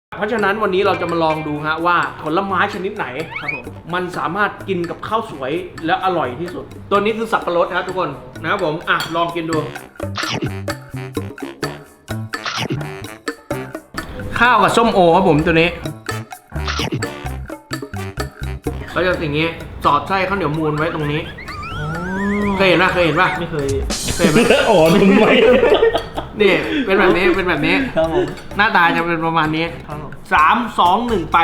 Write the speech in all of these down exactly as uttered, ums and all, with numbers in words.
เพราะฉะนั้นวันนี้เราจะมาลองดูฮะว่าผลไม้ชนิดไหนครับผมมันสามารถกินกับข้าวสวยและอร่อยที่สุด ตัวนี้คือสับปะรดครับทุกคนนะครับผมอ่ะลองกินดู ข้าวกับส้มโอครับผมตัวนี้ก็จะอย่างนี้สอดไส้ข้าวเหนียวมูนไว้ตรงนี้เคยเห็นป่ะเคยเห็นป่ะไม่เคยเคยเห็นไหมอ๋อนุ่มไหมนี่เป็นแบบนี้เป็นแบบนี้ครับผมหน้าตาจะเป็นประมาณนี้ครับผมสามสองหนึ่งไป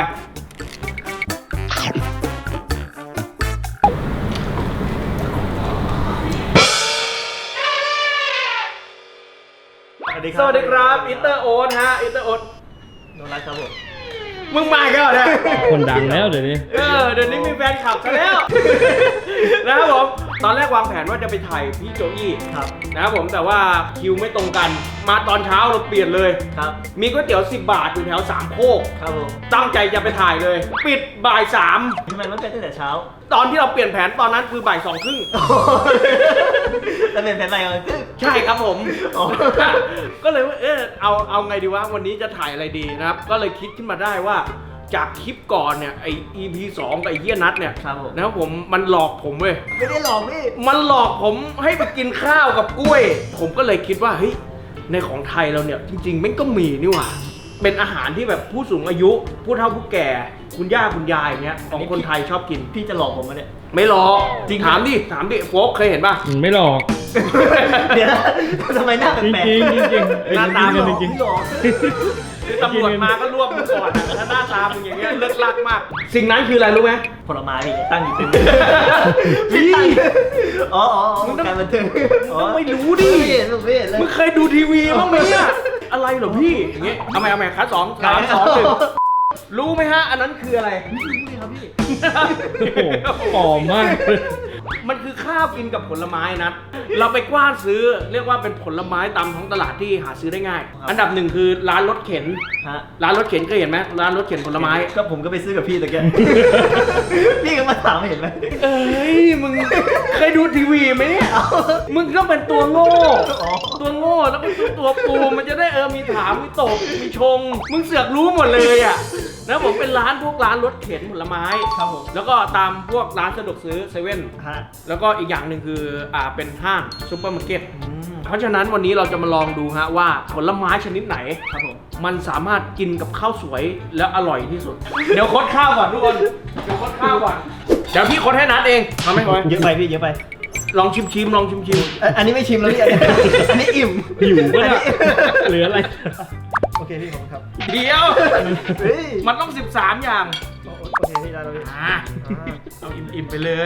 สวัสดีครับอินเตอร์โอ๊ตฮะอินเตอร์โอ๊ตโดนัทครับผมมึงมาอีกันเหรอเนี่ยคนดังแล้วเดี๋ยวนี้เออเดี๋ยวนี้มีแฟนคลับซะแล้ว นะครับผมตอนแรกวางแผนว่าจะไปถ่ายพี่โจอี้ครับนะครับผมแต่ว่าคิวไม่ตรงกัน มาตอนเช้าเราเปลี่ยนเลยครับมีก๋วยเตี๋ยวสิบบาทอยู่แถวสามโคกครับผมตั้งใจจะไปถ่ายเลย ปิดบ่ายสามทำไมไม่เป็นตั้งแต่เช้าตอนที่เราเปลี่ยนแผนตอนนั้นคือบ่ายสองครึ่งแล้วเป็นแผนอะไรกันใช่ครับผมอ๋อก็เลยว่าเออเอาเอาไงดีวะวันนี้จะถ่ายอะไรดีนะครับ ก็เลยคิดขึ้นมาได้ว่าจากคลิปก่อนเนี่ยไอ อี พี สองกับไอเฮียนัทเนี่ยครับผมนะครับผมมันหลอกผมเว้ยไม่ได้หลอกพี่มันหลอกผมให้ไปกินข้าวกับกล้วย ผมก็เลยคิดว่าเฮ้ยในของไทยเราเนี่ยจริงๆมันก็มีนี่หว่าเป็นอาหารที่แบบผู้สูงอายุ ผู้เฒ่าผู้แก่ คุณย่าคุณยายอย่างเงี้ยของคนไทยชอบกินพี่จะหลอกผมมาเนี่ยไม่หลอกจริงถามดิถามดิโฟกเคยเห็นป่ะไม่หลอกเดี๋ยวนะทำไมหน้าจริงแปลกจริงจริงจริงหน้าตาจริงจริงไม่หลอกคือตำรวจมาก็รวบมึงก่อนอะถ้าหน้าตามึงอย่างเงี้ยเลิกลักมาก สิ่งนั้นคืออะไรรู้ไหมผลไม้พี่ตั้งอยู่เต็มพี่อ๋ออ๋ออ๋อมึงต้องการบันเทิงต้องไม่รู้ดิไม่เห็นผมไม่เห็นเลยมึงเคยดูทีวีบ้างไหมเนี่ยอะไรเหรอพี่อย่างเงี้ยเอาใหม่เอาใหม่คัดสองสามสองหนึ่งรู้ไหมฮะอันนั้นคืออะไรไม่รู้เลยครับพี่โอ้โหปลอมมากมันคือข้าวกินกับผลไม้นะเราไปกว้านซื้อเรียกว่าเป็นผลไม้ตามท้องตลาดที่หาซื้อได้ง่าย อันดับหนึ่งคือร้านรถเข็นฮะร้านรถเข็นเคยเห็นไหมร้านรถเข็นผลไม้ก็ผมก็ไปซื้อกับพี่ตะแก พี่ก็มาถามเห็นไหมเอ้ยมึงเคยดูทีวีไหมเนี่ยมึงต้องเป็นตัวโง่อ๋อตัวโง่แล้วก็ตัวตัวปูมันจะได้เออมีถามมีตบมีชง มึงเสือกรู้หมดเลยอ่ะนะผมเป็นร้านพวกร้านรถเข็นผลไม้ครับผมแล้วก็ตามพวกร้านสะดวกซื้อเซเว่นฮะแล้วก็อีกอย่างหนึ่งคืออ่าเป็นห้างซูเปอร์มาร์เก็ตอืมเพราะฉะนั้นวันนี้เราจะมาลองดูฮะว่าผลไม้ชนิดไหนครับผมมันสามารถกินกับข้าวสวยและอร่อยที่สุด เดี๋ยวคดข้าวก่อนทุกคนเดี๋ยวคดข้าวก่อนเดี๋ยวพี่คดให้นัดเองทำไหมทำไหมเยอะไปพี่เยอะไปลองชิมชิมๆลองชิมชิมเอ่ออันนี้ไม่ชิมแล้วพี่ อันนี้อิ่มหิวปะอันเนี่ยนี้เหลืออะไรโอเคพี่ผมครับเดี๋ยวเฮ้ยมันต้องสิบสามอย่างโอโอเคพี่ได้แล้วพี่อ่าเอาอิ่มๆไปเลย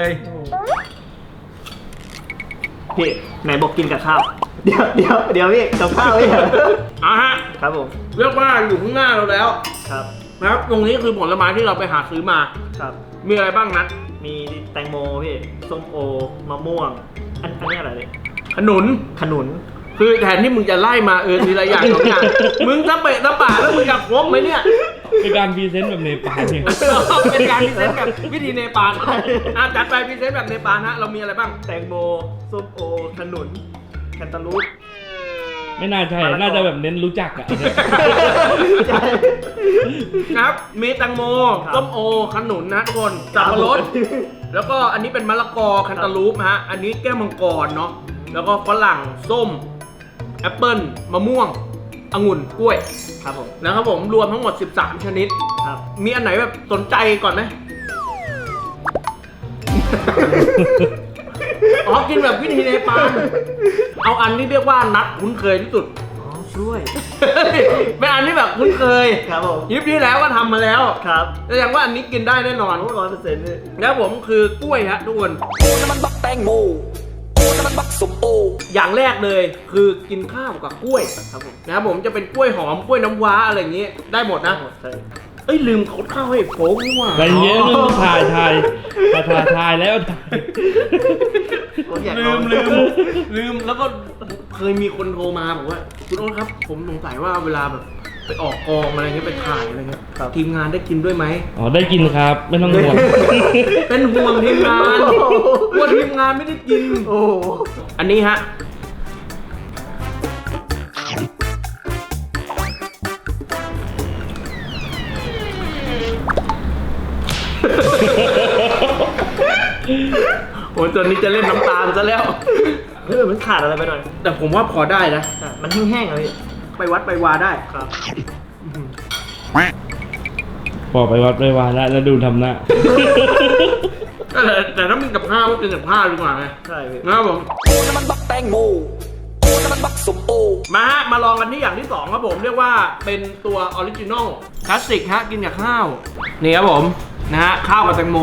พี่ไหนบอกกินกับข้าว เดี๋ยวเดี๋ยวเดี๋ยวพี่กับข้าวพี่อ่ะฮะครับผมเรียกว่าอยู่ข้างหน้าเราแล้วครับนะครับตรงนี้คือผลไม้ที่เราไปหาซื้อมาครับมีอะไรบ้างนัดมีแตงโมพี่ส้มโอมะม่วง อันอันนี้อะไรเนี่ยขนุนขนุนคือแทนที่มึงจะไล่มาเออทีละอย่างสองอย่างมึงทั้งเปะทั้งป่าแล้วมึงอยากครบไหมเนี่ยเป็นการพรีเซนต์แบบเนปาลเนี่ยเป็นการพรีเซนต์แบบวิธีเนปาลอ่ะจัดไปพรีเซนต์แบบเนปาลฮะเรามีอะไรบ้างแตงโมส้มโอขนุนแคนตาลูปไม่น่าใช่ น่าจะแบบเน้นรู้จักอะใช่นะครับมีแตงโมครับส้มโอขนุนนะทุกคนสับปะรดแล้วก็อันนี้เป็นมะละกอแคนตาลูปฮะอันนี้แก้วมังกรเนาะแล้วก็ฝรั่งส้มแอปเปิ้ลมะม่วงองุ่นกล้วยครับผมนะครับผมรวมทั้งหมดสิบสามชนิดครับมีอันไหนแบบสนใจก่อนไหม อ๋อ กินแบบวิธีเนปาลเอาอันที่เรียกว่านัดคุ้นเคยที่สุดอ๋อช่วยเป็นอันที่แบบคุ้นเคยครับผมยิปที่แล้วก็ทำมาแล้วครับแสดงว่าอันนี้กินได้แน่นอนร้อยเปอร์เซ็นต์เลยแล้วผมคือกล้วยฮะทุกคนโอ้น้ำมันบักแตงโมโอ้น้ำมันบักสมโออย่างแรกเลยคือกินข้าวกับกล้วยครับผมนะครับผมจะเป็นกล้วยหอมกล้วยน้ำว้าอะไรอย่างงี้ได้หมดนะใช่เอ้ยลืมคดข้าวให้โฟกนี่หว่าอะไรเงี้ยมึงถ่ายถ่ายถ่ายถ่ายถ่ายแล้วถ่ายผมอยากลืลองมลืมลืมแล้วก็เคยมีคนโทรมาบอกว่าคุณโอ๊ตครับ ผมสงสัยว่าเวลาแบบไปออกกองอะไรเงี้ยไปถ่ายอะไรเงี้ยทีมงานได้กินด้วยไหมอ๋อได้กินครับ ไม่ต้องห่วงเป็นห่วงทีมงานกลัวทีมงานไม่ได้กินโอ้โหอันนี้ฮะโอ้ยตัวนี้จะเล่นน้ำตาลซะแล้วเออมันขาดอะไรไปหน่อยแต่ผมว่าพอได้นะอ่ะมันแห้งๆอะพี่ไปวัดไปวาได้ครับบอกไปวัดไปวาแล้วแล้วดูทำหน้าแต่แต่ถ้ามึงกับข้าวก็กินกับข้าวดีกว่าไงใช่พี่นะครับผมโอ้น้ำมันบักแตงโมโอ้น้ำมันบักสมโอมาฮะมาลองกันที่อย่างที่สองครับผมเรียกว่าเป็นตัวออริจินอลคลาสสิกฮะกินกับข้าวนี่ครับผมนะฮะข้าวกับแตงโม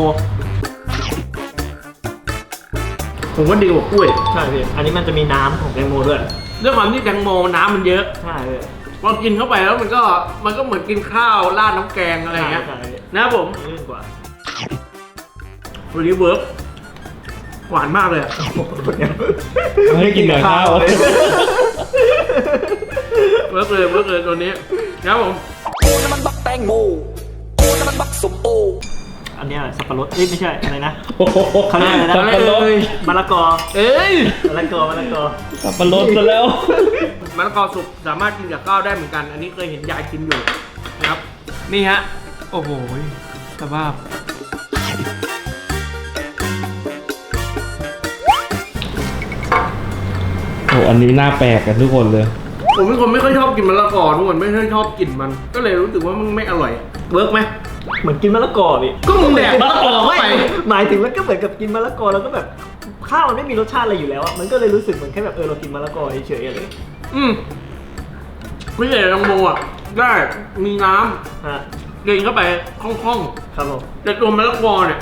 ผมว่าดีกว่ากล้วยใช่พี่อันนี้มันจะมีน้ำของแตงโมด้วยด้วยความที่แตงโมน้ำมันเยอะใช่พี่พอกินเข้าไปแล้วมันก็มันก็เหมือนกินข้าวราดน้ำแกงอะไรอย่างเงี้ยใช่ใช่นะครับผมลื่นกว่าวันนี้เวิร์กหวานมากเลยอะให้กินกับข้าวเวิร์กเลยเวิร์กเลยตัวนี้นะครับผมโอ้น้ำมันบักแตงโมโอ้น้ำมันบักสมโออันเนี้ยสับปะรดเอ้ยไม่ใช่อะไรนะเขาเรียกอะไรนะสับปะรดมะละกอเอ้ยมะละกอมะละกอสับปะรดซะแล้วมะละกอสุกสามารถกินกับข้าวได้เหมือนกัน อันนี้เคยเห็นยายกินอยู่นะครับ นี่ฮะ โอ้โหสภาพโอ้อันนี้น่าแปลกกันทุกคนเลยผมเป็นคนไม่ค่อยชอบกินมะละกอทุกคนไม่ค่อยชอบกินมัน ก็เลยรู้สึกว่ามันไม่อร่อย เวิร์กไหมเหมือนกินมะละกอพี่ก็มึงแดกมะละกอเข้าไปหมายถึงมันก็เหมือนกับกินมะละกอแล้วก็แบบข้าวมันไม่มีรสชาติอะไรอยู่แล้วอะมันก็เลยรู้สึกเหมือนแค่แบบเออเรากินมะละกอเฉยๆอะไรอย่างเงี้ยอืมไม่ใช่แตงโมอ่ะ ได้มีน้ฮะำกินเข้าไปคล่องครับผมๆแต่ตัวมะละกอเนี่ย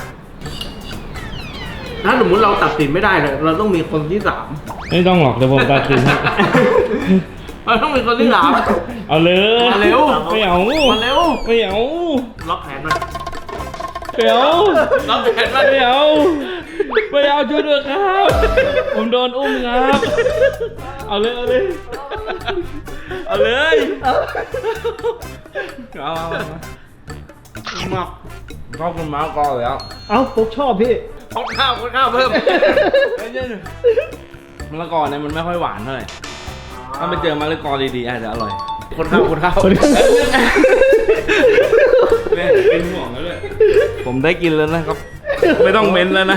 ถ้าสมมติเราตัดสินไม่ได้เลยเราต้องมีคนที่สามไม่ต้องหรอกเดี๋ยวผมตัดสินให้เราต้องมีคนที่สามเอาเลยมาเร็วไม่เอามาเร็วไม่เอาล็อกแขนมันไม่เอาล็อกแขนมันไม่เอาไม่เอาช่วยด้วยครับ ผมโดนอุ้มครับ เอาเลยเอาเลยเอาเลยเอาเอาเอามาชอบกินมะละกออยู่แล้วเอ้าปุ๊กชอบพี่คนข้าวคนข้าวเพิ่มมะละกอเนี่ยมันไม่ค่อยหวานเท่าไหร่ถ้าไปเจอมะละกอดีๆอาจจะอร่อยคนข้าวคนข้าวแม่เป็นห่วงแล้วเลยผมได้กินแล้วนะครับ ไม่ต้องเม้นแล้วนะ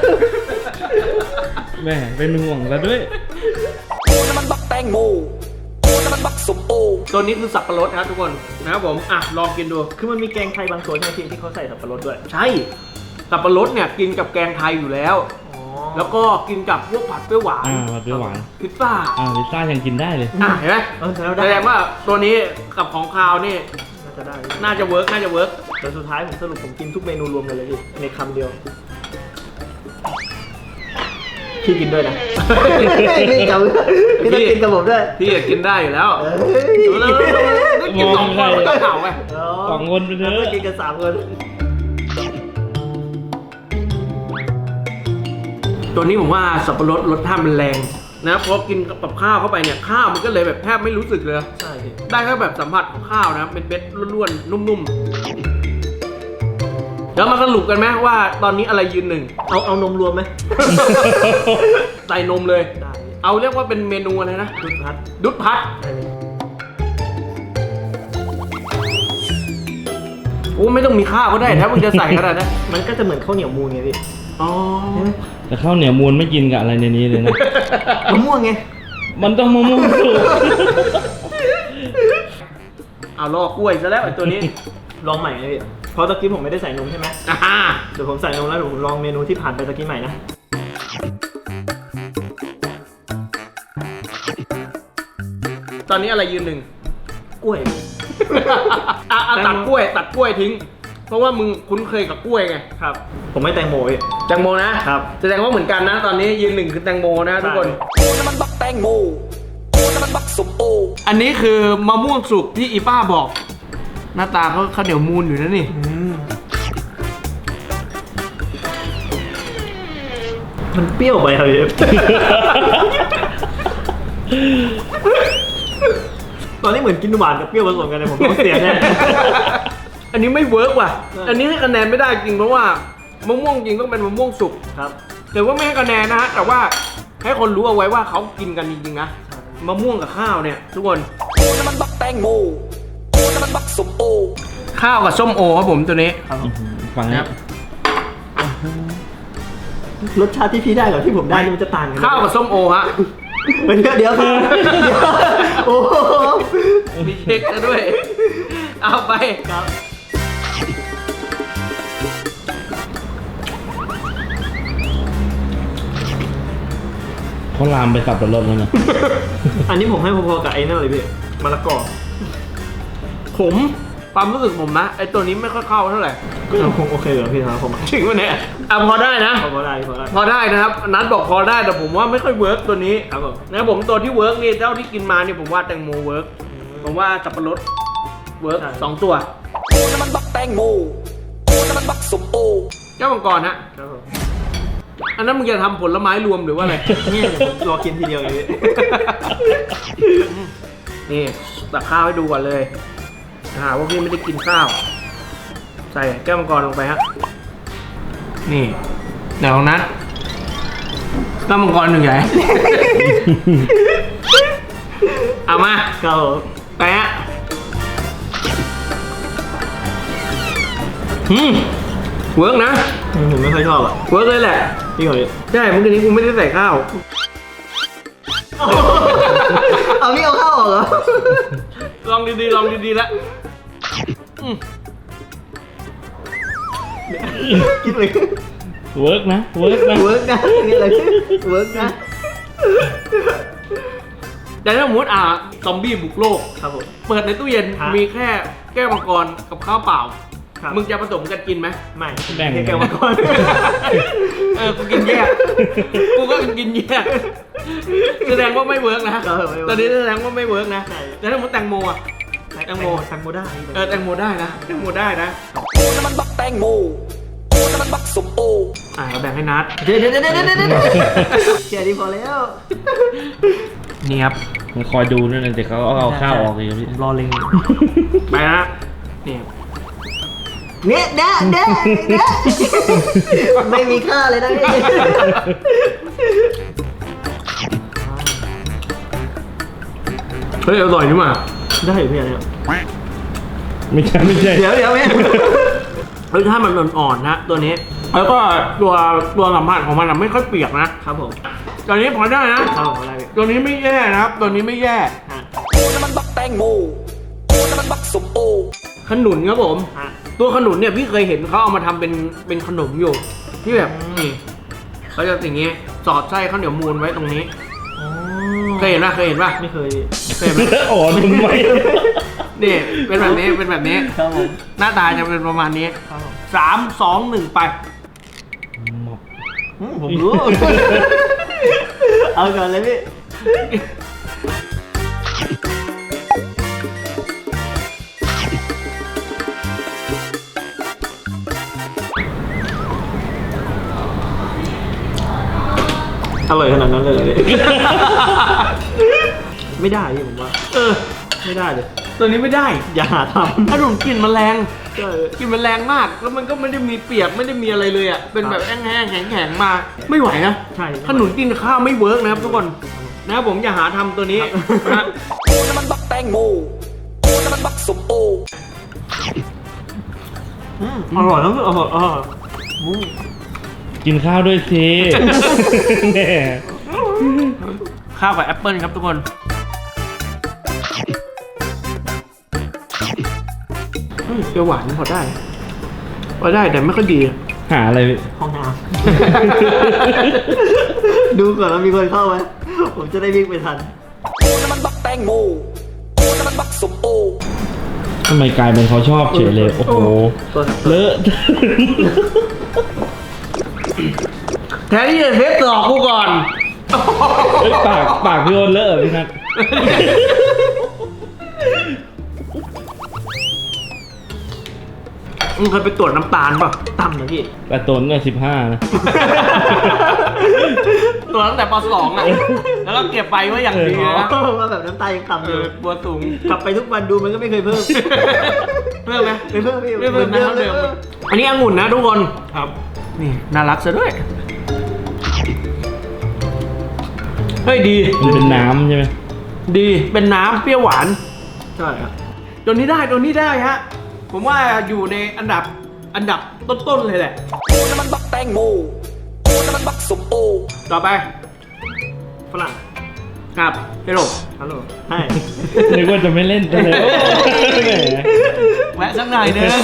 แม่เป็นห่วงแล้วด้วยโอ้น้ำมันบักแตงโมโอ้น้ำมันบักสมโอตัวนี้คือสับปะรดนะครับทุกคนนะครับผมอ่ะลองกินดูคือมันมีแกงไทยบางส่วนใช่ไหมพี่ที่เขาใส่สับปะรดด้วยใช่สับปะรดเนี่ยกินกับแกงไทยอยู่แล้วอ๋อแล้วก็กินกับพวกผัดเปรี้ยวหวานอ่าผัดเปรี้ยวหวานพิซซ่าอ่าพิซซ่ายังกินได้เลยอ่ะเห็นไหมเออแล้วแสได้ดงว่าตัวนี้กับของคาวนี่น่าจะได้น่าจะเวิร์กน่าจะเวิร์กแต่สุดท้ายผมสรุปผมกินทุกเมนูรวมกันเลยพี่ในคำเดียวพี่กินด้วยนะ พี่กับพี่ต้องกินกับผมด้วยพี่อยากกินได้อยู่แล้วเอ้ยดูแล้วได้กินสองคนมันก็เข่าไงสองคนไปเถอะแล้วก็กินกันสามคนตัวนี้ผมว่าสับปะรดรสชาติมันแรงนะเพราะกินกับข้าวเข้าไปเนี่ยข้าวมันก็เลยแบบแทบไม่รู้สึกเลยใช่พี่ได้แค่แบบสัมผัสของข้าวนะเป็นเบ็ดล้วนๆนุ่มๆเดี๋ยวมาสรุปกันไหมว่าตอนนี้อะไรยืนหนึ่งเอาเอานมรวมไหมใส่นมเลยได้เอาเรียกว่าเป็นเมนูอะไรนะดุดพัดดุดพัดได้เลยโอ้ไม่ต้องมีข้าวก็ได้ถ้ามึงจะใส่ขนาดนั้นมันก็จะเหมือนข้าวเหนียวมูนไงพี่อ๋อแต่ข้าวเหนียวมูลไม่กินกับอะไรในนี้เลยนะมะม่วงไงมันต้องมะม่วงสุกเอาลอกกล้วยซะแล้วไอ้ตัวนี้ลองใหม่ไงพี่เพราะตะกี้ผมไม่ได้ใส่นมใช่ไหมอ่าเดี๋ยวผมใส่นมแล้วเดี๋ยวผมลองเมนูที่ผ่านไปตะกี้ใหม่นะตอนนี้อะไรยืนหนึ่งกล้วยอ่ะอ่ะตัดกล้วย ตัดกล้วยทิ้ง เพราะว่ามึงคุ้นเคยกับกล้วยไงครับ ผมไม่แตงโมพี่แตงโมนะครับ แสดงว่าเหมือนกันนะ ตอนนี้ยืนหนึ่งคือแตงโมนะทุกคนโอ้น้ำมันบักแตงโมโอ้น้ำมันบักสมโออันนี้คือมะม่วงสุกที่อีป้าบอก หน้าตาเขาข้าวเหนียวมูนอยู่นะนี่มันเปรี้ยวไปครับพี่ ตอนนี้เหมือนกินหวานกับเปรี้ยวผสมกันเลยผมต้องเสียแน่อันนี้ไม่เวิร์กว่ะเอออัอันนี้ให้คะแนนไม่ได้จริงเพราะว่ามะม่วงจริงต้องเป็นมะม่วงสุกครับแต่ว่าไม่ให้คะแนนนะฮะ แต่ว่าให้คนรู้เอาไว้ว่าเขากินกันจริงๆนะ มะม่วงกับข้าวเนี่ยทุกคนโอ้น้ำมันบักแตงโมโอ้น้ำมันบักสมโอข้าวกับส้มโอครับผมตัวนี้ครับฟังนะนะครับรสชาติที่พี่ได้กับที่ผมได้นี่มันจะต่างกันข้าวกับส้มโอฮะเดี๋ยวเดี๋ยวครับเดี๋ยวโอ้โหมีเช็คซะด้วย เอาไปครับเขาลามไปสับปะรดแล้วนะอันนี้ผมให้พอๆกับไอ้นั่นเลยพี่มะละกอผมความรู้สึกผมนะไอตัวนี้ไม่ค่อยเข้าเท่าไหร่ก็ยังคงโอเคเหรอพี่ครับผมจริงปะเนี่ยอ่ะพอได้นะพอได้พอได้พอได้นะครับ นัดบอกพอได้แต่ผมว่าไม่ค่อยเวิร์กตัวนี้ครับผมนะครับผมตัวที่เวิร์กนี่เท่าที่กินมานี่ผมว่าแตงโมเวิร์กผมว่าสับปะรดเวิร์กสองตัวกูน้ำมันบักแตงโมกูน้ำมันบักสมโอแก้วมังกรฮะครับผมอันนั้นมึงจะทำผลไม้รวมหรือว่าอะไรเนี่ยรอกินทีเดียวเลยพี่นี่ตักข้าวให้ดูก่อนเลยหาว่าพี่ไม่ได้กินข้าว ใส่แก้วมังกรลงไปฮะนี่เดี๋ยวนะแก้วมังกรหนึ่งใหญ่ เอามาครับผมแปะอืมเวิร์กนะผมไม่ค่อยชอบอ่ะเวิร์กเลยแหละพี่ก่อนพี่ใช่เมื่อกี้นี้กูไม่ได้ใส่ข้าวเอาพี่เอาข้าวออกเหรอลองดีๆลองดีๆแล้วอืมคิดเลยเวิร์กนะเวิร์กนะเวิร์กนะนี่อะไรเวิร์กนะแต่ถ้าสมมติอ่ะซอมบี้บุกโลกครับผมเปิดในตู้เย็นฮะมีแค่แก้วมังกรกับข้าวเปล่าครับมึงจะผสมกันกินไหมไม่แบ่งแก้วมังกรเออ กูกินแยก กูก็กินแยก แสดงว่าไม่เวิร์กนะเออไม่เวิร์กตอนนี้แสดงว่าไม่เวิร์กนะใช่แต่ถ้าสมมติแตงโมอ่ะ แตงโมแตงโมได้เออแตงโมได้นะ แตงโมได้นะกูน้ำมันบักแตงโมกูน้ำมันบักสมโออ่ะเราแบ่งให้นัดเดี๋ยวเดี๋ยวเดี๋ยวเดี๋ยวเดี๋ยวแค่นี้พอแล้วนี่ครับมันคอยดูนั่นนะแต่เขาเอาข้าวออกเองพี่ผมรอเล็งไปนะนี่เนี่ยเด้อเด้อเด้อไม่มีค่าเลยนะพี่เฮ้ยอร่อยนี่หว่าได้อยู่พี่อันเนี้ยไม่ใช่ไม่ใช่เดี๋ยวเดี๋ยวแม่รสชาติมันอ่อนๆนะตัวนี้ แล้วก็ตัวตัวสัมผัสของมันอะไม่ค่อยเปียกนะครับผมตัวนี้พอได้นะครับผมอะไรพี่ตัวนี้ไม่แย่นะครับ ตัวนี้ไม่แย่ฮะกูน้ำมันบักแตงโมกูน้ำมันบักสมโอขนุนครับผมฮะตัวขนุนเนี่ยพี่เคยเห็นเขาเอามาทำเป็นเป็นขนมอยู่ ที่แบบอืมนี่เขาจะอย่างงี้สอดไส้ข้าวเหนียวมูนไว้ตรงนี้อ๋อเคยเห็นป่ะเคยเห็นป่ะไม่เคยเคยเห็นไหมอ๋อทำไมนี่เป็นแบบนี้เป็นแบบนี้ครับผมหน้าตาจะเป็นประมาณนี้ครับผมสามสองหนึ่งไปอืมผมรู้ เอาก่อนเลยพี่อร่อยขนาดนั้นเลยเหรอพี่ ไม่ได้พี่ผมว่าเออไม่ได้เลยตัวนี้ไม่ได้อย่าหาทำขนมกลิ่นมันแรงใช่กลิ่นมันแรงมาก แล้วมันก็ไม่ได้มีเปียกไม่ได้มีอะไรเลยอ่ะเป็นแบบแห้งๆแข็งๆมา ไม่ไหวนะใช่ขนุนกินข้าวไม่เวิร์กนะครับทุกคนนะครับผมอย่าหาทำตัวนี้นะฮะกูน้ำมันบักแตงโมกูน้ำมันบักสมโออืมอร่อยแล้วอร่อยอร่อยอืมกินข้าวด้วยสิแหมข้าวกับแอปเปิลครับทุกคนอืมเปรี้ยวหวานพอได้พอได้แต่ไม่ค่อยดีหาอะไรพี่ห้องน้ำ ดูก่อนว่ามีคนเข้าไหมผมจะได้วิ่งไปทันกูน้ำมันบักแตงโมกูน้ำมันบักสมโอทำไมกลายเป็นเขาชอบเฉยเลยโอ้โหเลอะแทนที่จะเทสหลอกกูก่อนเฮ้ยปากปากพี่โอนเลอะเหรอพี่นัทมึงเคยไปตรวจน้ำตาลป่ะต่ำนะพี่แต่ตนเนี่ยสิบห้านะตรวจตั้งแต่ปสองอ่ะ แล้วก็เก็บไปไว้อย่างดีนะว่าแบบน้ำตายังต่ำเออยู่อบัวสูงกลับไปทุกวันดูมันก็ไม่เคยเพิ่มเพิ่มไหมไม่เพิ่มพี่ไม่เพิ่มนะหอนเดิเดิมมอันนี้องุ่นนะทุกคนครับนี่น่ารักซะด้วย เฮ้ยดีมันเป็นน้ำใช่ไหมดีเป็นน้ำเปรี้ยวหวานใช่ครับตัวนี้ได้ตัวนี้ได้ฮะ ผมว่าอยู่ในอันดับอันดับต้นๆเลยแหละกูน้ำมันบักแตงโมกูกูน้ำมันบักสมโอต่อไปฝรั่งครับเฮโร่ฮัลโหลใช่นึกว่าจะไม่เล่นซะเลยแหมแวะสักหน่อยนึง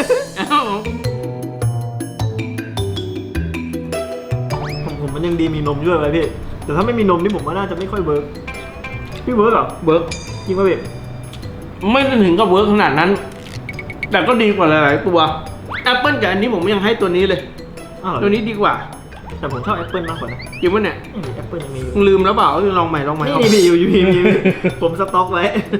ผมผมมันยังดีมีนมด้วยไว้พี่แต่ถ้าไม่มีนมนี่ผมว่าน่าจะไม่ค่อยเวิร์กพี่เวิร์กเหรอเวิร์กจริงป่ะพี่ไม่ได้ถึงกับเวิร์กขนาดนั้น แต่ก็ดีกว่าหลายๆตัวแอปเปิลกับอันนี้ผมยังให้ตัวนี้เลยอ้าวเหรอตัวนี้ดีกว่าแต่ผมชอบแอปเปิลมากกว่านะจริงปะเนี่ยแอปเปิลยังมีอยู่มึงลืมแล้วเปล่าลองใหม่ลองใหม่นี่มีอยู่อยู่มีมีมีผมสต็อกไว้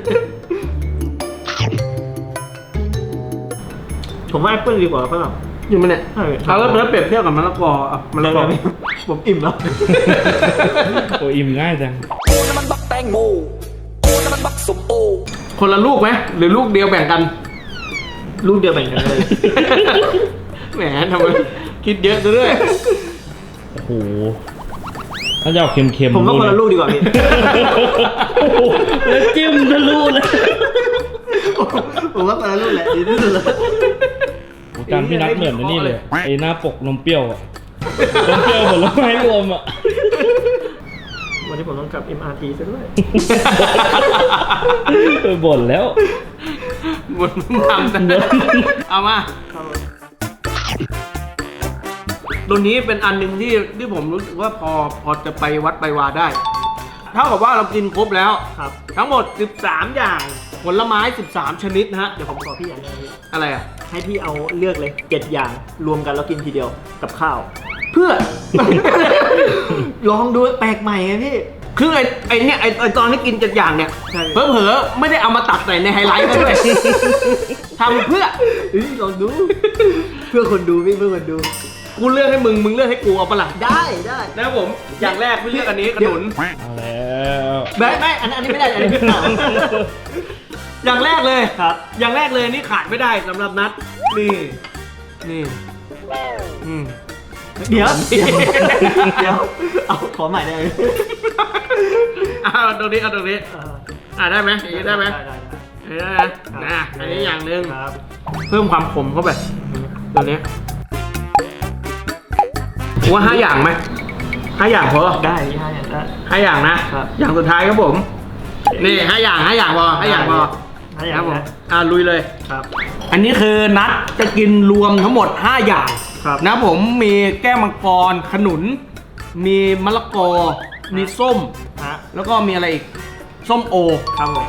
ผมว่าแอปเปิลดีกว่าฝรั่งจริงปะเนี่ยใช่เอาแล้วแล้วเปรียบเทียบกับมะละกออ่ะมะละกอผมอิ่มแล้วโอ้อิ่มง่ายจังกูน้ำมันบักแตงโมกูน้ำมันบักสมโอคนละลูกไหมหรือลูกเดียวแบ่งกันลูกเดียวแบ่งกันเลยแหมทำไมคิดเยอะซะด้วยโอ้โหถ้าจะเอาเค็มๆผมว่าคนละลูกดีกว่าพี่โอ้โหแล้วจิ้มทะลุเลยผมว่าคนละลูกแหละดีที่สุดแล้วโอ้จานพี่นัทเหมือนไอ้นี่เลยไอ้หน้าปกนมเปรี้ยวอะนมเปรี้ยวผลไม้รวมอะวันนี้ผมต้องกลับ เอ็ม อาร์ ที ซะด้วยเออบ่นแล้วหมดมึงทำแต่เอามาตัวนี้เป็นอันหนึ่งที่ที่ผมรู้สึกว่าพอพอจะไปวัดไปวาได้ เท่ากับว่าเรากินครบแล้วครับทั้งหมดสิบสามอย่างผลไม้สิบสามชนิดนะฮะเดี๋ยวผมขอพี่อย่างหนึงพี่อะไรอ่ะให้พี่เอาเลือกเลยเจ็ดอย่างรวมกันแล้วกินทีเดียวกับข้าวเพื่อลองดูแปลกใหม่ไงพี่คือไอ้ไอ้เนี่ยไอ้ไอ้ตอนที่กินเจ็ดอย่างเนี่ยใช่เผลอๆไม่ได้เอามาตัดใส่ในไฮไลท์ก็ด้วย ทำเพื่อเฮ้ยลองดู เพื่อคนดูพี่เพื่อคนดูกูเลือกให้มึงมึงเลือกให้กูเอาปะล่ะได้ได้นะครับผมอย่างแรกพี่เลือกอันนี้ขนุนเอาแล้วไม่ไม่อันอันนี้ไม่ได้อันนี้พี่เปล่าอย่างแรกเลยครับอย่างแรกเลยนี่ขาดไม่ได้สำหรับนัดนี่นี่อืมเดี๋ยวเดี๋ยวเดี๋ยวเอาขอใหม่ได้ไหมเอาตรงนี้เอาตรงนี้เอออ่าได้ไหมอย่างนี้ได้ไหมได้ได้ได้นะนะอันนี้อย่างหนึ่งครับเพิ่มความขมเข้าไปตัวนี้ว่าห้าอย่างไหมห้าอย่างพอได้พี่ให้อย่างได้ห้าอย่างนะครับ อย่างสุดท้ายครับผมนี่ห้าอย่างห้าอย่างพอห้าอย่างพอให้อคย่ารับงผมนะอ่าลุยเลยครับอันนี้คือนัดจะกินรวมทั้งหมดห้าอย่างครับนะผมมีแก้วมังกรขนุน มีมะละกอ มีส้มฮะแล้วก็มีอะไรอีก ส้มโอครับผม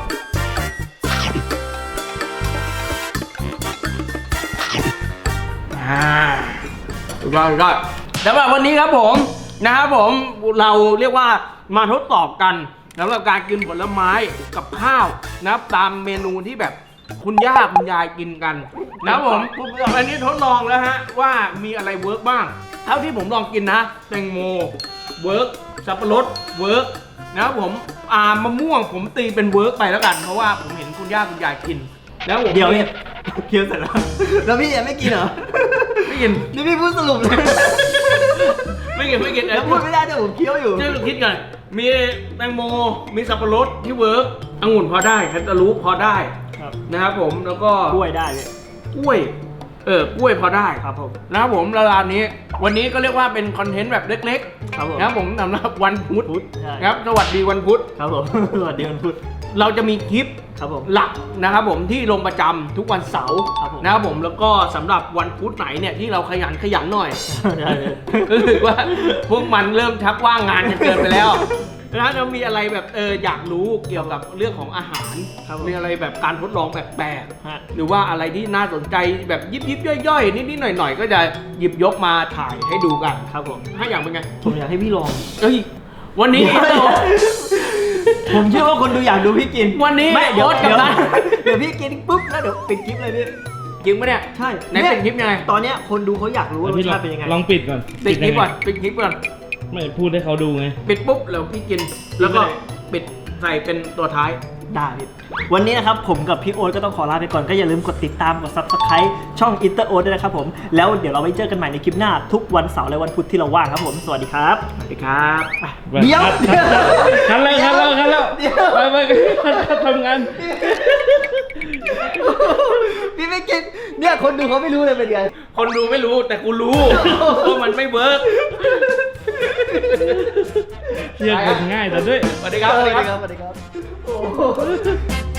อ่าถูกต้องถูกต้องสำหรับวันนี้ครับผมนะครับผมเราเรียกว่ามาทดสอบกันสำหรับการกินผลไม้กับข้าวนะครับตามเมนูที่แบบคุณย่าคุณยายกินกันนะครับผมอันนี้ทดลองแล้วฮะว่ามีอะไรเวิร์กบ้าง เท่าที่ผมลองกินนะแตงโมเวิร์กสับปะรดเวิร์กนะครับผมอ่ามะม่วงผมตีเป็นเวิร์กไปแล้วกันเพราะว่าผมเห็นคุณย่าคุณยายกินแล้วผมเดี๋ยวเนี่ยเคี้ยวเสร็จแล้ว แล้วพี่ยังไม่กินเหรอไม่กินนี่พี่พูดสรุปเลยไม่กินไม่กินแล้วพูดไม่ได้แต่ผมเคี้ยวอยู่ช่วยคิดก่อนมีแตงโมมีสับปะรดที่เวิร์กองุ่นพอได้แคนตาลูปพอได้ครับนะครับผมแล้วก็กล้วยได้เลยกล้วยเออกล้วยพอได้ครับผมนะครับผมแล้วร้านนี้ วันนี้ก็เรียกว่าเป็นคอนเทนต์แบบเล็กครับผมๆนะครับผมสำหรับวันพุธพุธใช่นะครับสวัสดีวันพุธครับผม สวัสดีวันพุธเราจะมีคลิปครับผมหลักนะครับผมที่ลงประจำทุกวันเสาร์ครับผมนะครับผมแล้วก็สำหรับวันพุธไหนเนี่ยที่เราขยันขยันหน่อยได้เลยรู้สึกว่าพวกมันเริ่มชักว่างงานกันเกินไปแล้วนะจะมีอะไรแบบเอออยากรู้เกี่ยวกับเรื่องของอาหารครับผมมีอะไรแบบการทดลองแปลกฮะๆหรือว่าอะไรที่น่าสนใจแบบยิบยิบๆย่อยๆนิดๆหน่อยๆก็จะหยิบยกมาถ่ายให้ดูกันครับผมถ้าอย่างเป็นไงผมอยากให้พี่ลองเอ้ยวันนี้เดี๋ยว ผมเชื่อว่าคนดูอยากดูพี่กินวันนี้ไม่เดี๋ยวโอ๊ตกับเดี๋ยวนัทเดี๋ยวพี่กินปุ๊บแล้วเดี๋ยวปิดคลิปเลยพี่จริงปะเนี่ยใช่ไหนเป็นคลิปยังไงตอนเนี้ยคนดูเขาอยากรู้ว่ารสพี่ลอชาง ติเป็นยังไงลองปิดก่อนปิดคลิปก่อนยังไงปิดคลิปก่อนไม่พูดให้เขาดูไงปิดปุ๊บแล้วพี่กิน แล้วก็ปิดใส่เป็นตัวท้ายได้พี่วันนี้นะครับผมกับพี่โอ๊ตก็ต้องขอลาไปก่อนก็อย่าลืมกดติดตามกด ซับสไครบ์ ช่อง อินเตอร์ โอ๊ต ด้วยนะครับผมแล้วเดี๋ยวเราไปเจอกันใหม่ในคลิปหน้าทุกวันเสาร์และวันพุธที่เราว่างครับผมสวัสดีครับสวัสดีครับเดี๋ยวคันแล้วคันแล้วคันแล้วไปไปไปทำงานพี่ไม่กินเนี่ยคนดูเขาไม่รู้เลยเป็นไงคนดูไม่รู้แต่กูรู้ว่ามันไม่เวิร์กเรียกคนง่ายแต่ด้วยสวัสดีครับสวัสดีครับสวัสดีครับ